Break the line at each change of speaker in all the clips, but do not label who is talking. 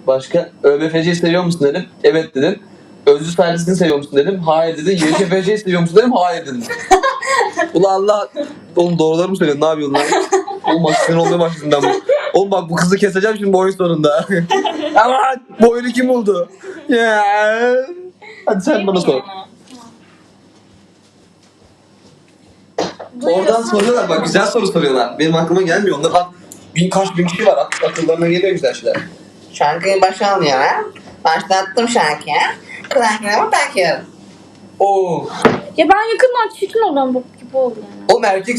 Başka? ÖBFC'yi seviyor musun dedim. Evet dedin. Özlü Sayılısı'nı seviyor musun dedim. Hayır dedin. YKFC'yi seviyor musun dedim. Hayır dedin. Ulan Allah. Oğlum doğruları mı söylüyorsun? Ne yapıyorsun lan? Oğlum bak sinir olmaya başladım ben bu. Oğlum bak bu kızı keseceğim şimdi bu oyun sonunda. Aman bu oyunu kim buldu? Ya. Hadi sen bana sor. Oradan soruyorlar bak güzel soru soruyorlar. Benim aklıma gelmiyor. Onlar bak kaç bin kişi var. Akıllarına geliyor güzel şeyler.
Şarkıyı başa alıyorum. Başlattım şarkıyı. Kulaklarımı takıyorum.
Oo.
Ya ben yakından çirkin olan bok gibi oldu yani.
Oğlum erkek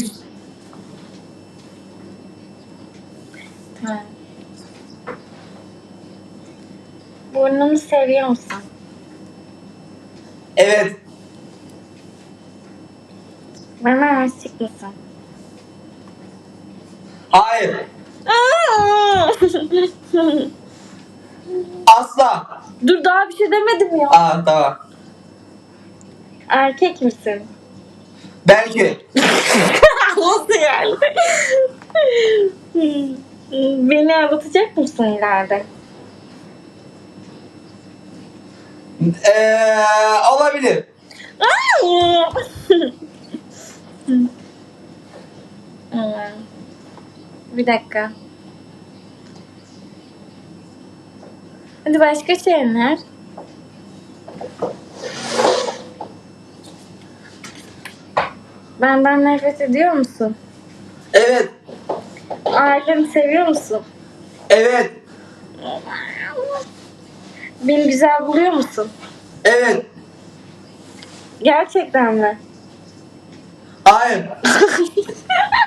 Tamam. Burnunu seviyor musun?
evet.
Bana aşık mısın?
Hayır. Asla.
Dur daha bir şey demedim ya.
Aa tamam.
Erkek misin?
Belki.
Nasıl yani? Beni aldatacak mısın ileride?
Olabilir.
Bir dakika. Hadi başka şeyler. Benden nefret ediyor musun?
Evet.
Ailemi seviyor musun?
Evet.
Beni güzel buluyor musun?
Evet.
Gerçekten mi?
Hayır.